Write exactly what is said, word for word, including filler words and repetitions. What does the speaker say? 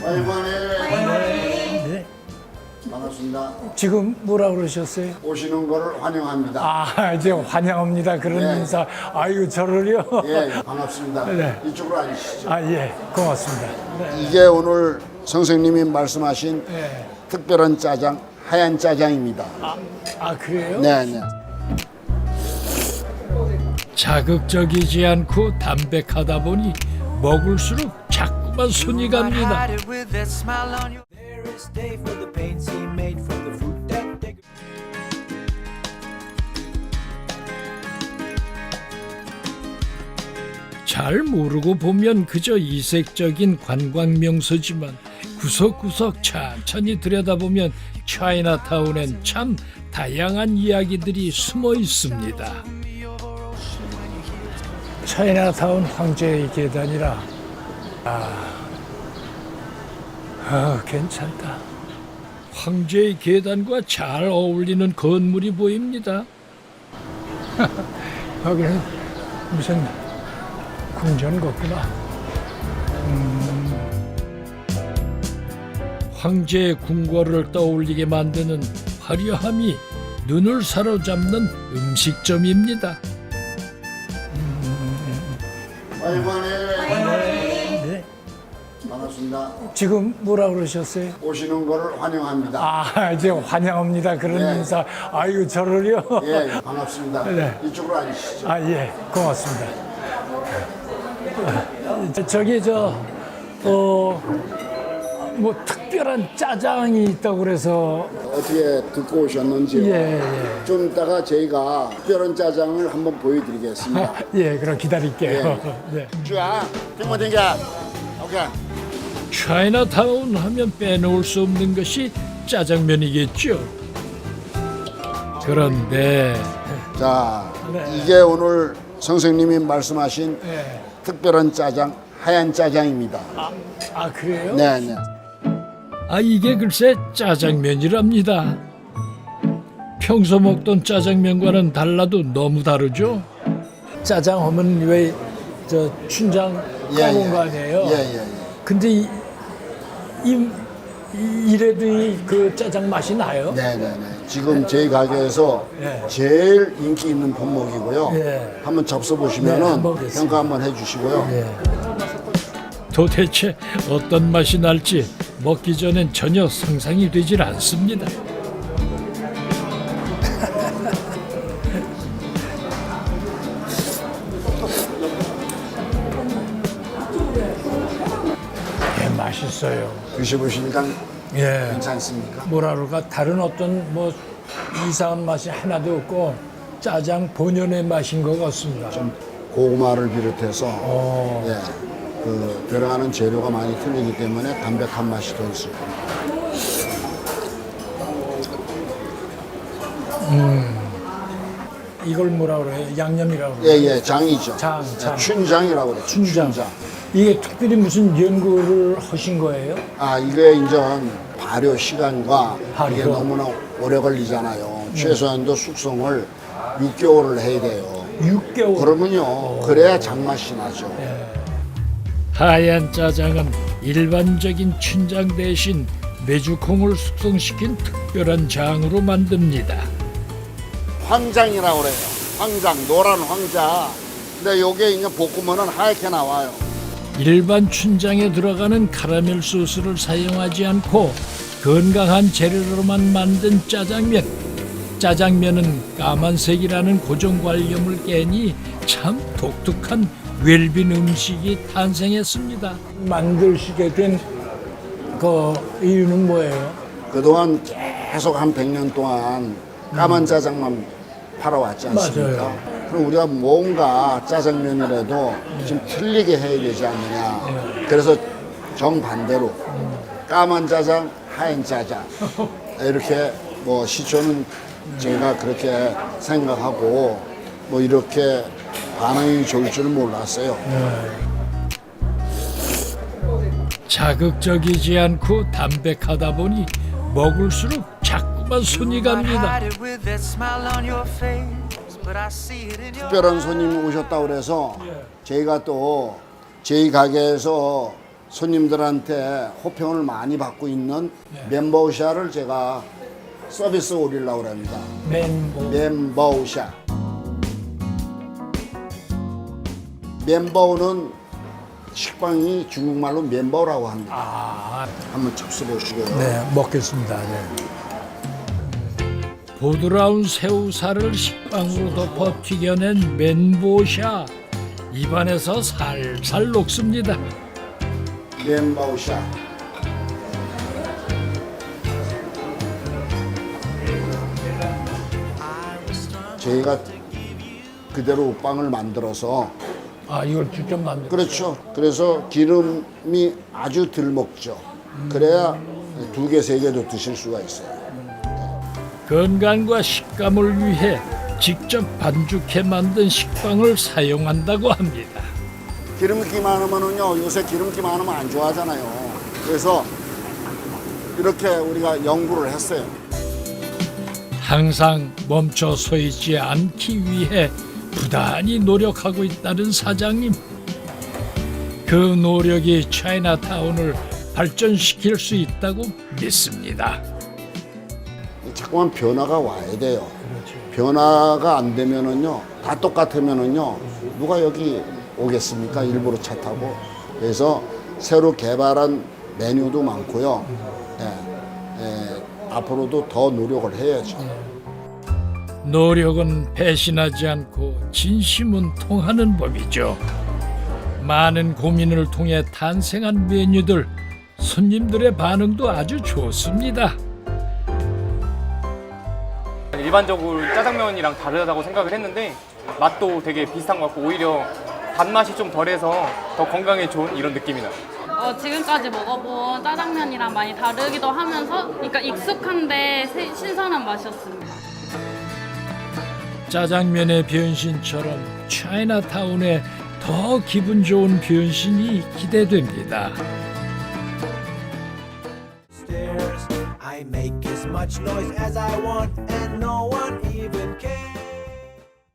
아이고네. 네. 반갑습니다. 지금 뭐라 그러셨어요? 오시는 거를 환영합니다. 아, 이제 환영합니다. 그런 네. 인사. 아이고, 저를요? 예, 반갑습니다. 네. 이쪽으로 앉으시죠. 아, 예. 고맙습니다. 네. 이게 오늘 선생님이 말씀하신 네. 특별한 짜장, 하얀 짜장입니다. 아, 아, 그래요? 네, 네. 자극적이지 않고 담백하다 보니 먹을수록 자꾸만 손이 갑니다. 잘 모르고 보면 그저 이색적인 관광 명소지만 구석구석 천천히 들여다보면 차이나타운엔 참 다양한 이야기들이 숨어 있습니다. 차이나타운 황제의 계단이라. 아, 아, 괜찮다. 황제의 계단과 잘 어울리는 건물이 보입니다. 여기는 무슨 궁전 같구나. 황제의 궁궐을 떠올리게 만드는 화려함이 눈을 사로잡는 음식점입니다. 아이고네. 네. 반갑습니다. 지금 뭐라 그러셨어요? 오시는 거를 환영합니다. 아, 이제 환영합니다. 그런 네. 인사. 아이고, 저를요? 예, 예, 반갑습니다. 네. 이쪽으로 앉으시죠. 아, 예. 고맙습니다. 저- 저기, 저, 어, 뭐, 특별한 짜장이 있다고 그래서, 어떻게 듣고 오셨는지요? 예, 예. 좀 이따가 저희가 특별한 짜장을 한번 보여드리겠습니다. 예, 그럼 기다릴게요. 네. 쭈야, 땡모 땡겨. 오케이. 차이나타운 하면 빼놓을 수 없는 것이 짜장면이겠죠. 그런데 자, 네. 이게 오늘 선생님이 말씀하신 예. 특별한 짜장, 하얀 짜장입니다. 아, 아, 그래요? 네, 네. 아 이게 글쎄 짜장면이랍니다. 평소 먹던 짜장면과는 달라도 너무 다르죠. 짜장 하면 왜, 저, 춘장 까먹은 거 아니에요? 예, 예, 예. 근데 이, 이, 이- 이래도 이 그 짜장 맛이 나요? 네, 네, 네. 지금 저희 가게에서 예. 제일 인기 있는 품목이고요. 예. 한번 접수 보시면은 네, 한번 보겠습니다. 평가 한번 해주시고요. 예. 도대체 어떤 맛이 날지 먹기 전엔 전혀 상상이 되질 않습니다. 예, 맛있어요. 드셔보시니까 예. 괜찮습니까? 뭐라 그럴까, 다른 어떤 뭐 이상한 맛이 하나도 없고 짜장 본연의 맛인 것 같습니다. 고구마를 비롯해서 어. 예, 그 들어가는 재료가 많이 틀리기 때문에 담백한 맛이 더 있을 겁니다. 이걸 뭐라 그래요? 양념이라고 그래요? 예, 예, 장이죠. 장, 장. 춘장이라고 그래요. 춘장. 이게 특별히 무슨 연구를 하신 거예요? 아, 이게 이제 발효 시간과 발효. 이게 너무나 오래 걸리잖아요. 최소한도 숙성을 육 개월을 해야 돼요. 육 개월. 그러면요, 그래야 장맛이 나죠. 하얀 짜장은 일반적인 춘장 대신 메주콩을 숙성시킨 특별한 장으로 만듭니다. 황장이라고 그래요. 황장, 노란 황자. 근데 요게 이제 볶으면은 하얗게 나와요. 일반 춘장에 들어가는 카라멜 소스를 사용하지 않고 건강한 재료로만 만든 짜장면. 짜장면은 까만색이라는 고정관념을 깨니 참 독특한 웰빙 음식이 탄생했습니다. 만드시게 된 그 이유는 뭐예요? 그동안 계속 한 백 년 동안 까만 짜장만 팔아왔지 않습니까? 맞아요. 그럼 우리가 뭔가 짜장면이라도 좀 틀리게 해야 되지 않느냐. 그래서 정반대로 까만 짜장, 하얀 짜장 이렇게 뭐 시초는 제가 그렇게 생각하고 뭐 이렇게 반응이 좋을 줄은 몰랐어요. 자극적이지 않고 담백하다 보니 먹을수록 자꾸만 손이 갑니다. 특별한 손님이 오셨다고 그래서 저희가 또 저희 가게에서 손님들한테 호평을 많이 받고 있는 멘보샤를 제가 서비스 올리려고 합니다. 멘보. 멘보샤. 멘보는 식빵이 중국말로 멘보라고 합니다. 아, 한번 접수 보시고요. 네, 먹겠습니다. 네. 부드러운 새우살을 식빵으로 덮어 튀겨낸 멘보샤. 입안에서 살살 녹습니다. 멘보샤. 저희가 그대로 빵을 만들어서 아, 이걸 직접 만들. 그렇죠. 그래서 기름이 아주 덜 먹죠. 그래야 두 개, 세 개도 드실 수가 있어요. 건강과 식감을 위해 직접 반죽해 만든 식빵을 사용한다고 합니다. 기름기 많으면은요, 요새 기름기 많으면 안 좋아하잖아요. 그래서 이렇게 우리가 연구를 했어요. 항상 멈춰 서 있지 않기 위해 부단히 노력하고 있다는 사장님. 그 노력이 차이나타운을 발전시킬 수 있다고 믿습니다. 자꾸만 변화가 와야 돼요. 변화가 안 되면은요, 다 똑같으면은요, 누가 여기 오겠습니까? 일부러 차 타고. 그래서 새로 개발한 메뉴도 많고요. 예, 예, 앞으로도 더 노력을 해야죠. 노력은 배신하지 않고 진심은 통하는 법이죠. 많은 고민을 통해 탄생한 메뉴들, 손님들의 반응도 아주 좋습니다. 일반적으로 짜장면이랑 다르다고 생각을 했는데 맛도 되게 비슷한 것 같고 오히려 단맛이 좀 덜해서 더 건강에 좋은 이런 느낌이 나요. 어, 지금까지 먹어본 짜장면이랑 많이 다르기도 하면서 그러니까 익숙한데 새- 신선한 맛이었습니다. 짜장면의 변신처럼 차이나타운에 더 기분 좋은 변신이 기대됩니다. stairs. I make as much noise as I want, and no one even cares.